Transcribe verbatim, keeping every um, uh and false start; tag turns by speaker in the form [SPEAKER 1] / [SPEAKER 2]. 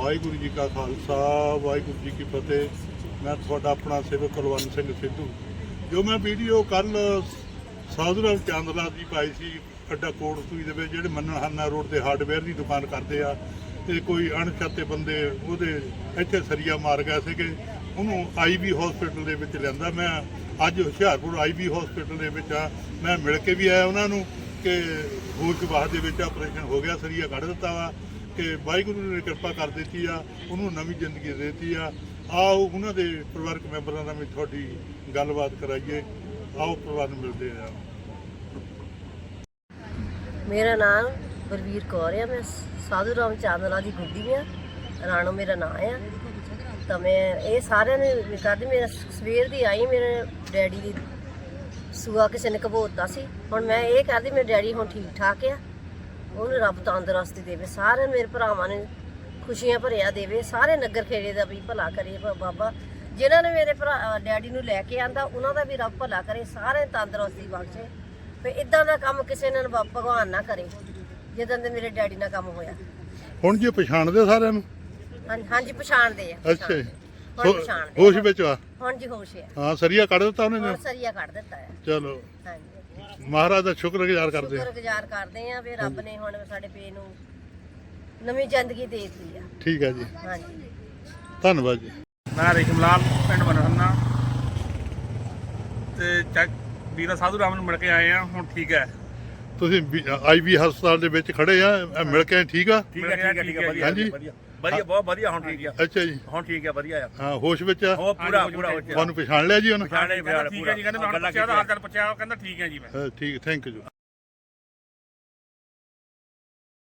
[SPEAKER 1] ਵਾਹਿਗੁਰੂ जी का खालसा वाहिगुरू जी की फतेह। मैं थोड़ा अपना सेवक कुलवंत सिंह सिद्धू। जो मैं वीडियो कल साधू राम चांदला की पाई सी अड्डा कोटसूई दे विच जिहड़े मन्नहाना रोड ते हार्डवेयर की दुकान करते आ ते कोई अणछाते बंदे ਉਹਦੇ ਇੱਥੇ ਸਰੀਆ ਮਾਰ ਗਏ ਸੀਗੇ। ਉਹਨੂੰ आई बी हॉस्पिटल ਦੇ ਵਿੱਚ ਲਿਆਂਦਾ। मैं ਅੱਜ ਹੁਸ਼ਿਆਰਪੁਰ आई बी हॉस्पिटल ਦੇ ਵਿੱਚ ਆ। मैं ਮਿਲ ਕੇ ਵੀ ਆਇਆ ਉਹਨਾਂ ਨੂੰ ਕਿ ਹੋਸ਼ ਬਾਹਰ ਦੇ ਵਿੱਚ ਆਪਰੇਸ਼ਨ ਹੋ ਗਿਆ, ਸਰੀਆ ਕੱਢ ਦਿੱਤਾ ਵਾ ਕਿ ਵਾਹਿਗੁਰੂ ਨੇ ਕਿਰਪਾ ਕਰ ਦਿੱਤੀ ਆ, ਉਹਨੂੰ ਨਵੀਂ ਜ਼ਿੰਦਗੀ ਦੇ ਦਿੱਤੀ ਆ। आओ उन्होंने परिवारक मैंबरों में थोड़ी गलबात कराइए। आओ परिवार में मिलते हैं।
[SPEAKER 2] मेरा नाम बलवीर कौर है। मैं साधू राम चांदला की गुड्डी हाँ। राणो मेरा नाम है। तो मैं ये सारे ने करती मेरा सवेर की आई मेरे डैडी की सूआ किसी ने घबोता सी। हुण मैं ये करती मेरे डैडी हुण ठीक ठाक है। उन्हें रब तंदुरुस्ती देवे, सारे मेरे भरावां ने खुशियां भरिया देवे, सारे नगर खेड़े का भी भला करे बाबा। जिन्होंने मेरे भरा डैडी नूं लैके आंदा उन्हां दा भी रब भला करे, सारे तंदुरुस्ती बख्शे। फिर इदां दा काम किसी ने भगवान ना करे जिद्दां दे मेरे डैडी नाल काम होया।
[SPEAKER 1] हुण जी पछाणदे सारिਆਂ ਨੂੰ?
[SPEAKER 2] हाँ हाँ जी पछाणदे आ।
[SPEAKER 1] अच्छा
[SPEAKER 2] हुण पछाणदे
[SPEAKER 1] होश विच आ?
[SPEAKER 2] हुण जी होश है।
[SPEAKER 1] हां सरिया कढ ਦਿੱਤਾ ਉਹਨੇ?
[SPEAKER 2] हुण सरिया कढ ਦਿੱਤਾ है।
[SPEAKER 1] चलो
[SPEAKER 2] हाँ जी
[SPEAKER 1] महाराज ਦਾ ਸ਼ੁਕਰਗੁਜ਼ਾਰ ਕਰਦੇ ਹਾਂ।
[SPEAKER 2] शुक्रगुजार करदे आ फिर रब ने हुण साडे पे नूं नवीं जिंदगी दे ਦਿੱਤੀ आ।
[SPEAKER 1] ठीक है जी,
[SPEAKER 2] हाँ जी
[SPEAKER 1] धन्यवाद जी।
[SPEAKER 3] मैं रेशम लाल पिंड मनहन्ना ते चैक ਵੀਰਾ ਸਾਧੂ ਰਾਮ ਨੂੰ ਮਿਲ ਕੇ ਆਏ ਆ। ਹੁਣ ਠੀਕ ਹੈ।
[SPEAKER 1] ਤੁਸੀਂ ਆਈ ਬੀ ਹਸਪਤਾਲ ਦੇ ਵਿੱਚ ਖੜੇ ਆ, ਇਹ ਮਿਲ ਕੇ ਠੀਕ ਆ?
[SPEAKER 3] ਠੀਕ ਹੈ ਠੀਕ ਹੈ ਠੀਕ ਹੈ ਵਧੀਆ
[SPEAKER 1] ਹਾਂਜੀ
[SPEAKER 3] ਵਧੀਆ ਵਧੀਆ ਬਹੁਤ ਵਧੀਆ ਹੁਣ ਠੀਕ ਆ।
[SPEAKER 1] ਅੱਛਾ ਜੀ,
[SPEAKER 3] ਹੁਣ ਠੀਕ ਹੈ ਵਧੀਆ ਆ।
[SPEAKER 1] ਹਾਂ ਹੋਸ਼ ਵਿੱਚ ਆ?
[SPEAKER 3] ਉਹ ਪੂਰਾ ਪੂਰਾ ਹੋ ਗਿਆ।
[SPEAKER 1] ਤੁਹਾਨੂੰ ਪਛਾਣ ਲਿਆ ਜੀ ਉਹਨੇ?
[SPEAKER 3] ਪਛਾਣ ਲਿਆ
[SPEAKER 4] ਠੀਕ ਹੈ ਜੀ, ਕਹਿੰਦੇ ਮੈਂ ਪੁੱਛਿਆ ਤਾਂ ਹਾਲ ਚਾਲ ਪੁੱਛਿਆ, ਉਹ ਕਹਿੰਦਾ ਠੀਕ ਹੈ ਜੀ ਮੈਂ।
[SPEAKER 1] ਹਾਂ, ਠੀਕ, ਥੈਂਕ ਯੂ।